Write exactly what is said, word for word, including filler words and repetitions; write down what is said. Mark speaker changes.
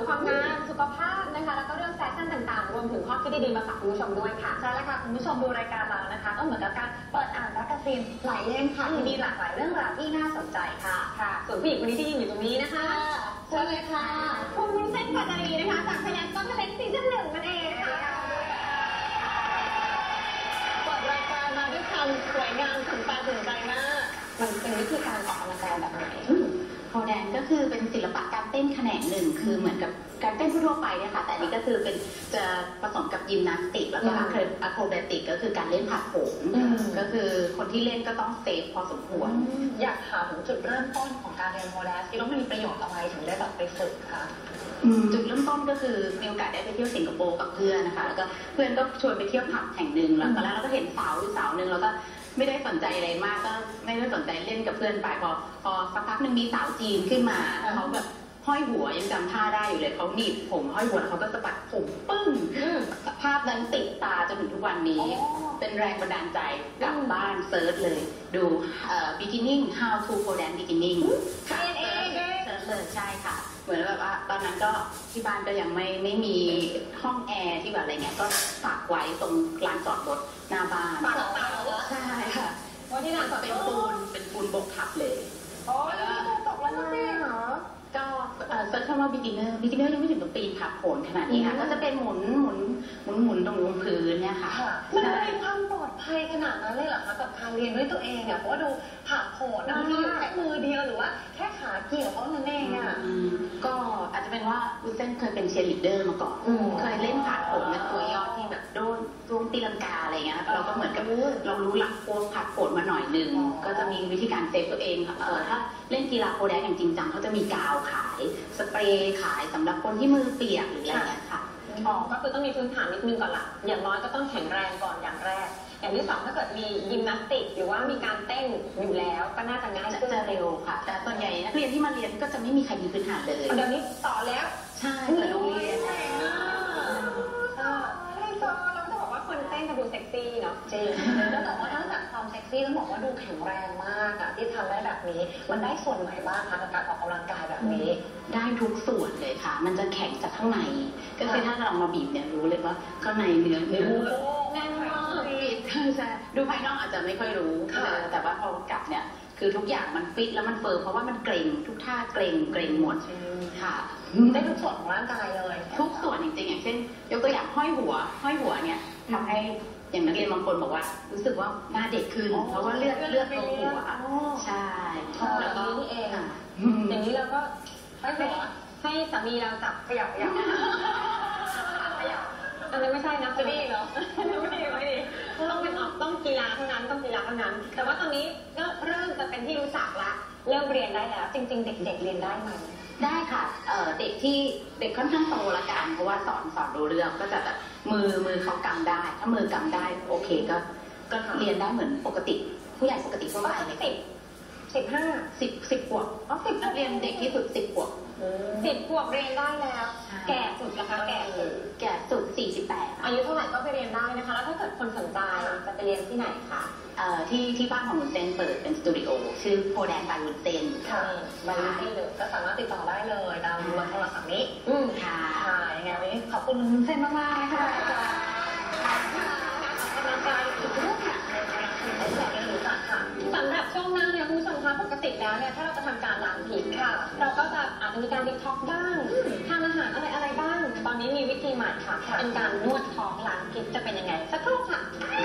Speaker 1: ความงามสุขภาพนะคะแล้วก็เรื่องแฟชั่นต่างๆรวมถึงข้อคิดดีๆมาฝากคุณผู้ชมด้วยค่ะ
Speaker 2: ใช่แล้วค่ะคุณผู้ชมดูรายการเรานะคะก็เหมือนกับการเปิดอ่านแมกกาซีนหลายเล่มค่ะที่มีหลากหลายเรื่องราวที่น่าสนใจค่ะ
Speaker 1: ค่ะส่วนผู้หญิงคนนี้ที่ยืนอยู่ตรงนี้นะคะ
Speaker 2: เชิญเลยค่ะ
Speaker 1: คุณวุ้นเส้นปัตตานีนะคะจากพยัญชนะเล็กซีซั่นหนึ่งนั่นเองค่ะ
Speaker 2: เปิดรายการมาด้วยความสวยงามถึงตาถึงใจมาก
Speaker 1: มันเป็นวิธีการออกกำลังกายแบบไหน
Speaker 3: โพแดนก็คือเป็นศิลปะการเต้นแขนงหนึ่งคือเหมือนกับการเต้นทั่วไปเนี่ยค่ะแต่อันนี้ก็คือเป็นจะผสมกับยิมนาสติกแล้วก็อะโครแบติกก็คือการเล่นผัดโผงก็คือคนที่เล่นก็ต้องเซฟพอสมควร
Speaker 2: อยากถามถึงจุดเริ่มต้นของการเรียนโพแดนคิดว่ามันมีประโยชน์อะไรถึงได้แบบไปฝึกคะ
Speaker 3: จุดเริ่มต้นก็คือมีโอกาสได้ไปเที่ยวสิงคโปร์กับเพื่อนนะคะแล้วก็เพื่อนก็ชวนไปเที่ยวผับแห่งหนึ่งแล้วตอนแรกเราก็เห็นสาวอยู่สาวหนึ่งแล้วก็ไม่ได้สนใจอะไรมากก็ไม่ได้สนใจเล่นกับเพื่อนไปพอพอสักพักหนึ่งมีสาวจีนขึ้นมาเขาแบบห้อยหัวยังจำท่าได้อยู่เลยเขาหนีบผมห้อยหัวเขาก็สะบัดผมปึ้งภาพนั้นติดตาจนถึงทุกวันนี้เป็นแรงบันดาลใจกลับบ้านเซิร์ชเลยดูเอ่อ beginning how to pole dance beginning
Speaker 1: ค่ะเอง
Speaker 3: เซิร์ชเลยใช่ค่ะเหมือนแบบว่าตอนนั้นก็ที่บ้านก็ยังไม่ไม่มีห้องแอร์ที่แบบอะไรเงี้ยก็ฝากไว้ตรงลานจอดรถหน้าบ้าน
Speaker 1: ฝากเปล่า
Speaker 3: ใช่ค่ะ
Speaker 1: ว่าที่ลานจอด
Speaker 3: เป็นปูนเป็นปูนบกทับเลย
Speaker 1: โอ้แล้วตกแล้วนะพี่เหรอ
Speaker 3: ก็เซิร์ชคำว่า beginner beginner ยังไม่ถึงกับปีนผักโขนขนาดนี้ค่ะก็จะเป็นหมุนหมุนหมุนหมุนตรงพื้นเนี่ยค่ะ
Speaker 2: มันมีความปลอดภัยขนาดนั้นเลยเหรอคะกับการเรียนด้วยตัวเองเนี่ยเพราะว่าดูผักโขนนะมันมีอยู่แค่มือเดียวหรือว่าแค่ขาเกี่ยวเท่านั้นเองอ่ะ
Speaker 3: ก็อาจจะเป็นว่าวุ้นเส้นเคยเป็นเชียร์ลีดเดอร์มาก่อนเคยเล่นผักโขนเป็นตัวยอดที่แบบโดนรวงตีลังกาอะไรเงี้ยเราก็เหมือนกับเรารู้หลักโค้ดผักโขนมาหน่อยนึงก็จะมีวิธีการเซฟตัวเองเออถ้าเล่นกีฬาโพแดนอย่างจริงจังเขาจะมีกาวขายสเปรย์ขายสำหรับคนที่มือเปียกหรืออะไรเงี้ยค่ะ
Speaker 1: อ๋อก็คือต้องมีพื้นฐานนิดนึงก่อนละอย่างน้อยก็ต้องแข็งแรงก่อนอย่างแรกอย่างที่สองถ้าเกิดมียิมนาสติกหรือว่ามีการเต้นอยู่แล้วก็น่าจะง่ายขึ้น
Speaker 3: จะเร็วค่ะแต่ส่วนใหญ่นักเรียนที่มาเรียนก็จะไม่มีใครมีพื้นฐานเลย
Speaker 1: เดี๋ยวนี้สอนแล้ว
Speaker 3: ใช่เปิดโรงเรียน
Speaker 1: คนเต้นจะดูเซ็กซี่เนาะ
Speaker 2: จริงแล้วแต่ว่านอกจากความเซ็กซี่ต้องบอกว่าดูแข็งแรงมากอะที่ทำได้แบบนี้มันได้ส่วนไหนบ้างคะกับการออกกำลังกายแบบนี้
Speaker 3: ได้ทุกส่วนเลยค่ะมันจะแข็งจากข้างในก็คือถ้าเรามาบีบเนี่ยรู้เลยว่าข้างในเนื้อเนื้อ
Speaker 1: แน่นมาก
Speaker 3: ใช่ดูภายนอกอาจจะไม่ค่อยรู้แต่ว่าพอกลับเนี่ยคือทุกอย่างมันฟิตแล้วมันเฟิร์มเพราะว่ามันเกร็งทุกท่าเกร็งเกร็งหมดค่ะ
Speaker 2: ได้ทุกส่วนของร่างกายเลย
Speaker 3: ทุกส่วนจริงๆอย่างเช่นยกตัวอย่างห้อยหัวห้อยหัวเนี่ยทำให้อย่างนักเรียนบางคนบอกว่ารู้สึกว่าหน้าเด็กขึ้นเพราะว่าเลือดเลือดลงหัวใช่
Speaker 1: แล้วก็นี่เองอย่างนี้เราก็ให้ให้สามีเราจับขยับขยับขยับอันนั้นไม่ใช่นะจะดีเหรอไม่ดีไม่ดีต้องเป็นออกต้องกีฬาเท่านั้นต้องกีฬาเท่านั้นแต่ว่าตอนนี้ก็เริ่มจะเป็นที่รู้จักละเริ่มเรียนได้แล้วจริงๆเด็กๆเรียนได้ไหม
Speaker 3: ได้ค่ะเอ่อเด็กที่เด็กค่อนข้างโตละกันเพราะว่าสอนสอนรู้เรื่องก็จะแบบมือมือเขากำได้ถ้ามือกำได้โอเคก็ก็เรียนได้เหมือนปกติผู้ใหญ่ปกติทั่วไป
Speaker 1: เลยสิบสิบห้า
Speaker 3: สิบสิบขวบ
Speaker 1: อ๋อสิบ
Speaker 3: นักเรียนเด็กที่สุดสิบขวบ
Speaker 1: สิบขวบเรียนได้แล้วแก่สุดนะคะแก่สุด
Speaker 3: แก่สุดสี่สิบแปด
Speaker 1: อายุเท่าไหร่ก็ไปเรียนได้นะคะแล้วถ้าเกิดคนสนใจจะไปเรียนที่ไหนคะ
Speaker 3: เอ่อที่ที่บ้านของวุ้นเส้นเปิดเป็นสตูดิโอชื่อโพแดนบายวุ้นเส้น
Speaker 2: ค่ะบายวุ้นเส้นเลยก็สามารถติดต่อได้เลยตามเบอร์โทรศัพท์นี้
Speaker 3: อืมค่ะ
Speaker 2: ค่ะยังไงวันนี้ขอบคุณวุ้นเส้นมากๆเลยค่ะ
Speaker 1: สำหรับช่วงหน้าเนี่ยคุณผู้ชมคะปกติแล้วเนี่ยถ้าเราจะทำการล้างพิษค่ะเราก็จะอาจจะมีการดิท็อกบ้างทานอาหารอะไรอะไรบ้างตอนนี้มีวิธีใหม่ค่ะเป็นการนวดท้องล้างพิษจะเป็นยังไงสักครู่ค่ะ